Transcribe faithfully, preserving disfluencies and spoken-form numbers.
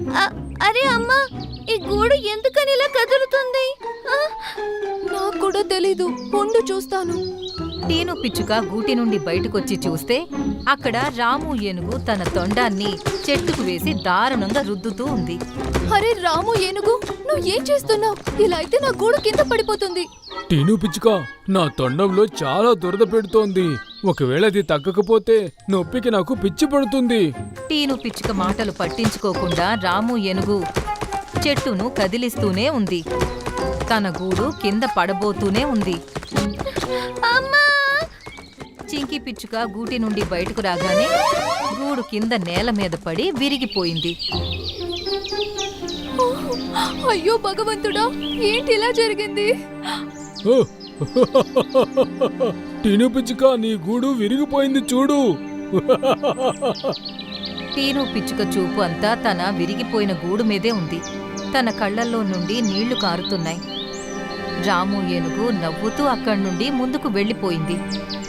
అ- అరే అమ్మా, ఈ గూడు ఎందుకని ఇలా కదులుతుంది? ఆ! నాకు కూడా తెలీదు, ఉండు చూస్తాను. టీను పిచ్చుక గూటి నుండి బయటకొచ్చి చూస్తే అక్కడ రాము ఏనుగు తన తొండాన్ని చెట్టుకు వేసి దారుణంగా రుద్దుతూ ఉంది. అరే రాము ఏనుగు, నువ్వు ఏం చేస్తున్నావు? ఇలా అయితే నా గూడు కింద పడిపోతుంది. టీను పిచ్చుక, నా తొండంలో చాలా దురద పెడుతోంది. ఒకవేళ అది తగ్గకపోతే నొప్పికి నాకు పిచ్చి పడుతుంది. టీను పిచ్చుక మాటలు పట్టించుకోకుండా రాము ఏనుగు చెట్టును కదిలిస్తూనే ఉంది. తన గూడు కింద పడబోతూనే ఉంది. అమ్మా! చింకి పిచ్చుక గూటి నుండి బయటకు రాగానే గూడు కింద నేల మీద పడి విరిగిపోయింది. అయ్యో భగవంతుడా, ఏంటి ఇలా జరిగింది? ఓ! టీను పిచ్చుక, నీ గూడు విరిగిపోయింది చూడు. టీను పిచ్చుక చూపు అంతా తన విరిగిపోయిన గూడు మీదే ఉంది. తన కళ్ళల్లో నుండి నీళ్లు కారుతున్నాయి. రాము ఏనుగు నవ్వుతూ అక్కడి నుండి ముందుకు వెళ్ళిపోయింది.